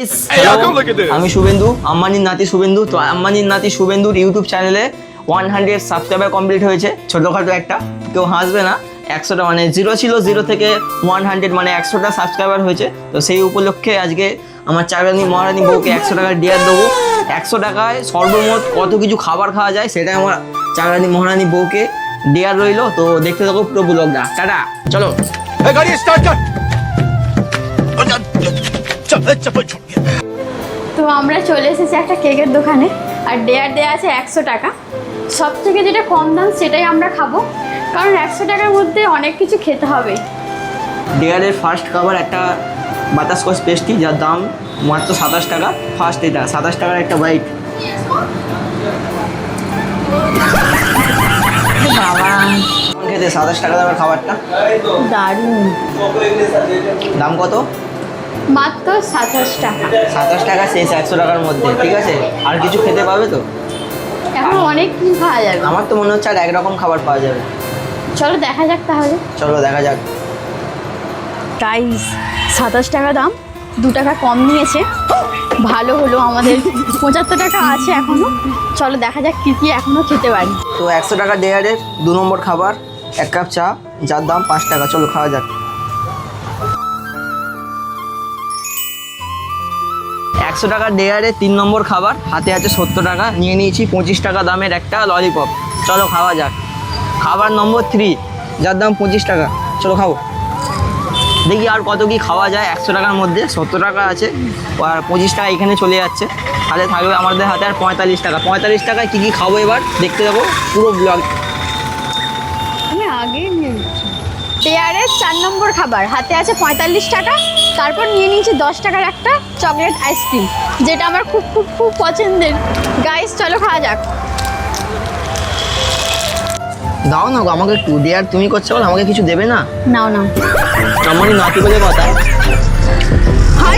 আমি শুভেন্দু, আম্বানির নাতি শুভেন্দু। তো আম্বানির নাতি শুভেন্দুর ইউটিউব চ্যানেলে 100 সাবস্ক্রাইবার কমপ্লিট হয়েছে। ছোটোখাটো একটা, কেউ হাসবে না। 100টা মানে 0 ছিল, 0 থেকে 100 মানে 100টা সাবস্ক্রাইবার হয়েছে। তো সেই উপলক্ষে আজকে আমার চাকরানি মহারানী বউকে 100 টাকার ডিয়ার দেবো। 100 টাকায় সর্বমোট কত কিছু খাবার খাওয়া যায় সেটাই আমার চাকরানি মহারানী বউকে ডিয়ার রইলো। তো দেখতে থাকো পুরো ব্লগটা। টাটা, চলো। गाड़ी स्टार्ट कर। তো আমরা চলে এসেছি একটা কেকের দোকানে, আর ডেয়ার দেওয়া আছে 100 টাকা। সব থেকে যেটা কম দাম সেটাই আমরা খাবো, কারণ 100 টাকার মধ্যে অনেক কিছু খেতে হবে। ডিয়ারের ফার্স্ট খাবার একটা বাটারস্কচ পেস্ট্রি, যার দাম মাত্র 27 টাকা। ফার্স্ট এটা 27 টাকার একটা বাইট। বাবা খেতে 27 টাকা দামের খাবারটা দারুণ। দাম কত? মাত্র 27 টাকা। 27 টাকা শেষ 100 টাকার মধ্যে, ঠিক আছে? আর কিছু খেতে পাবে তো? এখন অনেক কিছু খাওয়া যাবে। আমার তো মনে হচ্ছে আর একরকম খাবার পাওয়া যাবে। চলো দেখা যাক তাহলে। চলো দেখা যাক। প্রাইস 27 টাকা দাম, 2 টাকা কম নিয়েছে। ভালো হলো, আমাদের 75 টাকা আছে এখনো। চলো দেখা যাক কী কী এখনো খেতে পারি। তো 100 টাকা ডেয়ারের 2 নম্বর খাবার 1 কাপ চা, যার দাম 5 টাকা। চলো খাওয়া যাক। 100 টাকা ডেয়ারের 3 নম্বর খাবার, হাতে আছে 70 টাকা। নিয়ে নিয়েছি 25 টাকা দামের একটা ললিপপ। চলো খাওয়া যাক। খাবার নম্বর 3, যার দাম 25 টাকা। চলো খাবো, দেখি আর কত কি খাওয়া যায়। 100 টাকার মধ্যে 70 টাকা আছে, আর 25 টাকা এখানে চলে যাচ্ছে। তাহলে থাকবে আমাদের হাতে আর 45 টাকা। 45 টাকায় কী কী খাবো এবার দেখতে যাবো পুরো ব্লগ। আমি আগে নিয়ে নিচ্ছি। ডেয়ারের 4 নম্বর খাবার, হাতে আছে 45 টাকা। তারপর নিয়ে নিয়েছি 10 টাকার একটা চকলেট আইসক্রিম, যেটা আমার খুব খুব খুব পছন্দের। গাইস চলো খাওয়া যাক। দাও না গো আমাকে একটু। ডেয়ার তুমি করছো বল, আমাকে কিছু দেবে না? নাও নাও। আমারই নাতি বলে কথা। হাই,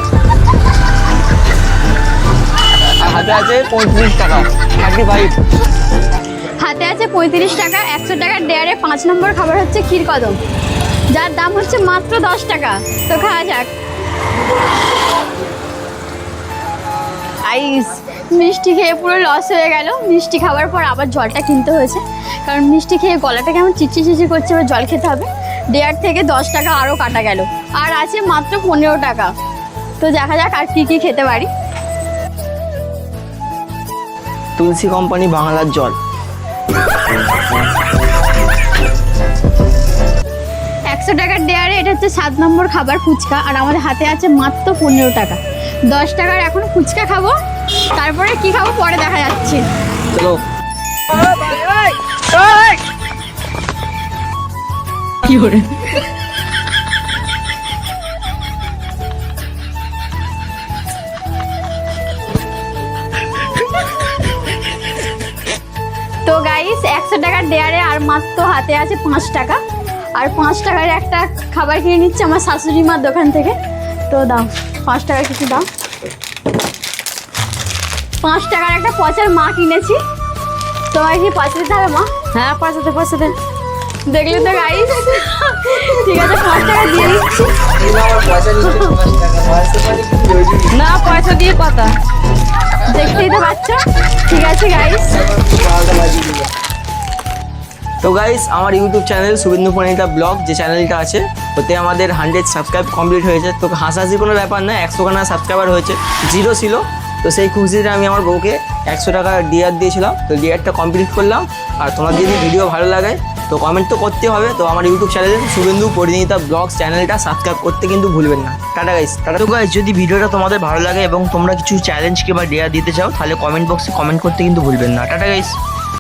আর হাতে আছে 35 টাকা 35। হাতে আছে 35 টাকা। 100 টাকার ডেয়ারে 5 নম্বর খাবার হচ্ছে ক্ষীর কদম, যার দাম হচ্ছে মাত্র 10 টাকা। তো খাওয়া যাক। আইস, মিষ্টি খেয়ে পুরো লস হয়ে গেল। মিষ্টি খাওয়ার পর আবার জলটা কিনতে হয়েছে, কারণ মিষ্টি খেয়ে গলাটা কেমন চিচি চিচি করছে, এবার জল খেতে হবে। ডেয়ার থেকে 10 টাকা আরও কাটা গেল, আর আছে মাত্র 15 টাকা। তো দেখা যাক আর কী কী খেতে পারি। তুলসী কোম্পানি বাংলার জল। 100 টাকার ডেয়ারে এটা হচ্ছে 7 নম্বর খাবার ফুচকা, আর আমাদের হাতে আছে মাত্র 15 টাকা। 10 টাকার এখন ফুচকা খাবো, তারপরে কি খাবো পরে দেখা যাচ্ছে। চলো। কি করে তো গাইস 100 টাকার ডেয়ারে আর মাত্র হাতে আছে 5 টাকা, আর 5 টাকার একটা খাবার কিনে নিচ্ছে আমার শাশুড়ি মার দোকান থেকে। তো দাও 5 টাকার কিছু দাও। 5 টাকার একটা পচার মা কিনেছি। তোমার কি পয়সা দিতে হবে মা? হ্যাঁ পয়সা দে। দেখলে তো গাইস, ঠিক আছে 5 টাকা দিয়ে দিচ্ছি। না পয়সা দিয়ে কথা, দেখতেই তো পাচ্ছ। ঠিক আছে গাইস। তো গাইস, আমার YouTube channel Shubhendu Parinita blog যে চ্যানেলটা আছে, ওতে আমাদের 100 সাবস্ক্রাইব কমপ্লিট হয়েছে। তো হাসাহাসি কোনো ব্যাপার না, 100 খানা সাবস্ক্রাইবার হয়েছে, 0 ছিল। তো সেই খুশিতে আমি আমার বউকে 100 টাকা ডিয়ার দিয়েছিলাম। তো ডিয়ারটা কমপ্লিট করলাম। আর তোমার যদি ভিডিও ভালো লাগে তো কমেন্ট তো করতে হবে। তো আমার ইউটিউব চ্যানেলে শুভেন্দু পরিণীতা ব্লগস চ্যানেলটা সাবস্ক্রাইব করতে কিন্তু ভুলবেন না। Tata guys, tata. তো গাইস, যদি ভিডিওটা তোমাদের ভালো লাগে এবং তোমরা কিছু চ্যালেঞ্জ কিংবা ডিয়ার দিতে চাও, তাহলে কমেন্ট বক্সে কমেন্ট করতে কিন্তু ভুলবেন না। Tata guys.